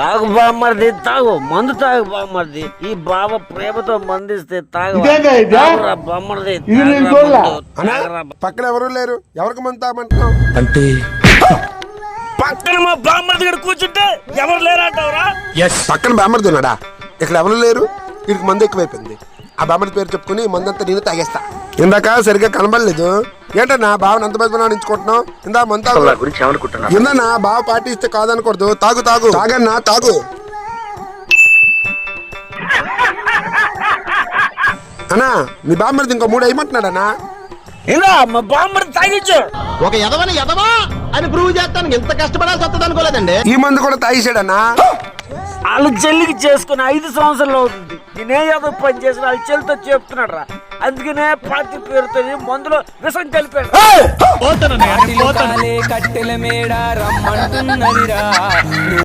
తాగు బామ్మర్ది తాగు, మందు తాగు బామ్మర్ది. ఈ బావ ప్రేమతో మందిస్తే తాగు బామ్మర్ది. పక్కన ఎవరు లేరు, ఎవరికి మందు తాగమంటున్నావు అంటే పక్కన మా బామ్మర్ది ఇక్కడ కూర్చుంటే ఎవరు లేరంటావురా? పక్కన బామ్మర్ది ఉన్నాడా? ఇక్కడ ఎవరు లేరు, వీడికి మందు ఎక్కువైపోయింది. ఆ బామ్మర్ది పేరు చెప్పుకుని మందంతా నేను తాగేస్తా. ఇందాక సరిగ్గా కనబడలేదు ఏంటన్నా బావని అంత మంది నుంచుకుంటున్నావు? ఇందా మందు తాగు. ఇందన్నా బావ పార్టీ ఇస్తే కాదనకూడదు. తాగు తాగు తాగన్నా తాగు. అన్నా మీ బామ్మర్ది ఇంకో 3 అయ్యమంటున్నాడన్నా. ఇలా మా బామ్మర్ది తాగించు. ఒక ఎదవని ఎదవా అని ప్రూవ్ చేస్తాను ఎంత కష్టపడాల్సి వస్తుంది అనుకోలేదండి. ఈ మందు కూడా తాగేసాడన్నా. వాళ్ళు చెల్లికి చేసుకుని 5 సంవత్సరాలు అవుతుంది. నేనే ఏదో పని చేసిన వాళ్ళ చెల్లితో చెప్తున్నాడు రా. అందుకనే పార్టీ పేరుతో మందులో విషం కలిపాడు. కట్టెల మేడ రమ్మంటున్నదిరా.